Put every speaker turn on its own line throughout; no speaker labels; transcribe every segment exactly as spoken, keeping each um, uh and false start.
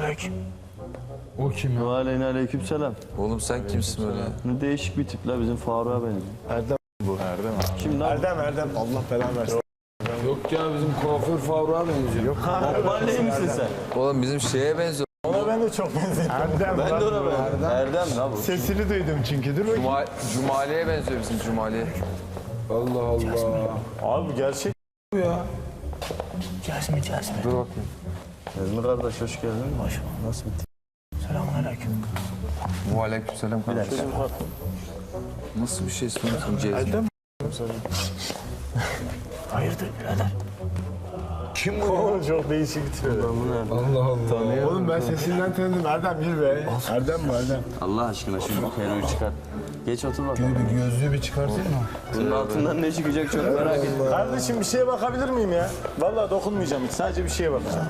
Aleyküm.
O kim ya?
Aleyna aleyküm selam.
Oğlum sen kimsin öyle?
Ne değişik bir tip la bizim Faruk'a benziyor.
Erdem bu. Erdem abi.
Kim lan?
Erdem Erdem Allah belanı versin.
Yok ya bizim kuaför Faruk'a benziyor. Yok.
Mahalleli misin sen?
Oğlum bizim şeye benziyor.
Ona ben de çok benziyorum. Erdem.
Ben de ona benziyorum. Erdem la bu.
Sesini duydum çünkü. Dur bakayım.
Cuma, Cumali'ye benziyor bizim Cumali'ye.
Allah Allah.
Abi gerçek
Bu ya.
Cazmi Cazmi.
Dur bakayım.
Ezmi kardeş hoş geldin.
Hoş bulduk.
Nasıl bir tip?
Selamun aleyküm.
Aleykümselam kardeşim. Nasıl bir şey istiyorsun Cezmi?
Hayırdır birader?
kim bu ya? Çok değişik bir tip.
Allah Allah.
Oğlum ben sesinden tanıdım. Erdem gir be. Erdem mi Erdem?
Allah aşkına şu peruğu çıkar. Geç otur bakalım.
Bir gözlüğü bir çıkarsana.
Bunun altından ne çıkacak çok merak ettim.
Kardeşim bir şeye bakabilir miyim ya? Vallahi dokunmayacağım hiç. Sadece bir şeye bakacağım.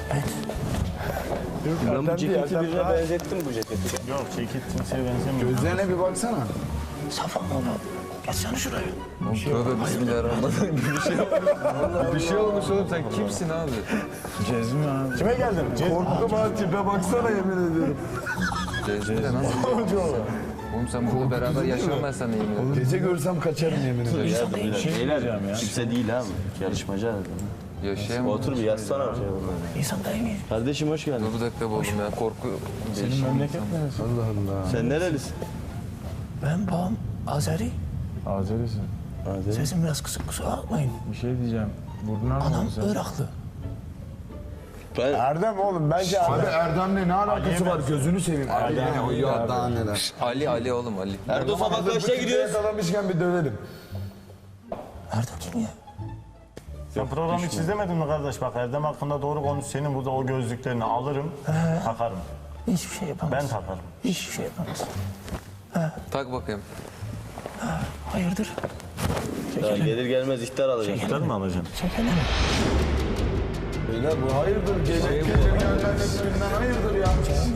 Yok,
Ben
Erdem
bu
değil,
ceketi
Erdem
birine
daha-
benzettim bu ceketi.
Yok ceket kimseye benzemiyor.
Gözlerine bir baksana.
Safan oğlum. Geçsene şuraya.
Tövbe bismillahirrahmanirrahim. Bir şey olmuş. Bir şey olmuş oğlum sen kimsin abi?
Cezmi abi.
Kime geldin? Cez...
Korktum abi tipe baksana yemin ediyorum.
Cezmi de nasıl? Oğlum sen burada beraber yaşamam ben seninle yemin ederim.
Gece görsem kaçarım yemin ederim.
İnsan değil.
Şey Beyler kimse değil ha bu. Yarışmacı adam.
Yaşayamam.
Otur bir yazsana bir şey burada.
İnsan değil mi?
Kardeşim hoş geldin.
Dur bir dakika oğlum ya korku.
Senin memleket neresi?
Allah Allah.
Sen nerelisin?
Ben babam Azeri.
Azerisin.
Sesim biraz kısık, kusura bakmayın.
Bir şey diyeceğim. Buradan
Anam
mı sen?
Iraklı.
Ben
Erdem oğlum bence
Abi
Erdem.
Erdem'le ne alakası var? Gözünü seveyim. Erdem. O ya daha neler.
Ali Ali oğlum Ali.
Erdoğan Fabrikaş'a gidiyoruz.
Yakalamışken bir dövelim.
Nerede kim ya?
Sen programı hiç izlemedin mi kardeş? Bak Erdem hakkında doğru konuş. Senin burada o gözlüklerini alırım, takarım.
Hiçbir şey yapamaz.
Ben takarım.
Hiçbir şey yapamaz.
Tak bakayım.
Hayırdır?
Ya gelir gelmez ihtar alacağım.
Tutar mı alacaksın?
Çekelim.
Beyler bu hayırdır? Gece gece göndermesinden hayırdır ya?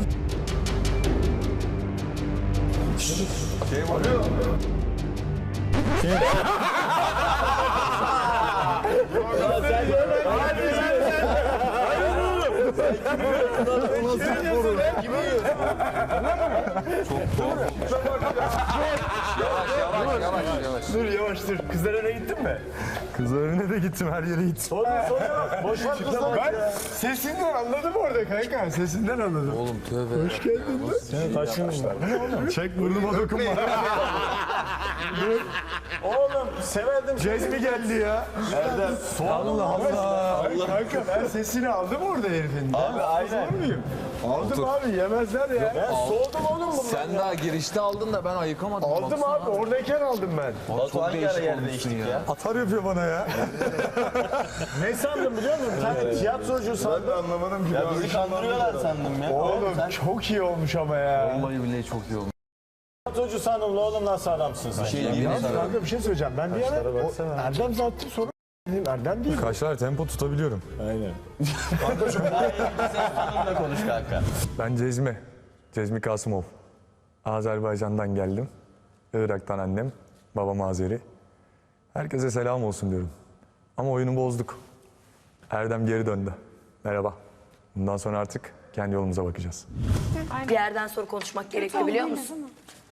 Şey var.
Yavaş yavaş yavaş.
Dur yavaş dur. Kızlar önüne gittin mi? Kızlar önüne de gittim. Her yere gittim. Sorun sorun. Boş ver kızlar. Ben sesinden anladım orada kanka. Sesinden anladım.
Oğlum tövbe.
Hoş geldin lan. Seni taşınmışlar. Çek burnuma dokunma. Oğlum severdim. Cezmi geldi ya. Erdem. Allah Allah. Allah. Kanka ben sesini aldım orada herifin. Abi aynen. Muyum? Aldım abi yemezler ya. Ben soğudum oğlum bundan.
Sen daha girişte aldın da ben ayıkamadım.
Aldım
Baksana
abi oradayken aldım ben.
Batu hangi ara
değişik
yerde
olmuşsun
değiştik
ya.
ya?
Atar yapıyor bana ya. Ne sandım biliyor musun? Bir tane tiyatrocu sandım. Ben anlamadım ki.
Ya bizi kandırıyorlar sandım ya.
Oğlum
Sen
çok iyi olmuş ama ya.
Vallahi billahi çok iyi olmuş.
Tiyatrocu sandım la oğlum nasıl adamsın sen?
şey diyeyim
Ya
sana.
kanka bir şey söyleyeceğim. Ben bir ara o, Erdem zaten sorun dedim. Erdem değil.
Kaşlar tempo tutabiliyorum.
Aynen.
Hanımla konuş kanka.
Ben Cezmi. Cezmi Kasımov. Azerbaycan'dan geldim. Irak'tan annem. Babam Azeri. Herkese selam olsun diyorum. Ama oyunu bozduk. Erdem geri döndü. Merhaba. Bundan sonra artık kendi yolumuza bakacağız.
Bir yerden sonra konuşmak gerekiyor biliyor musun?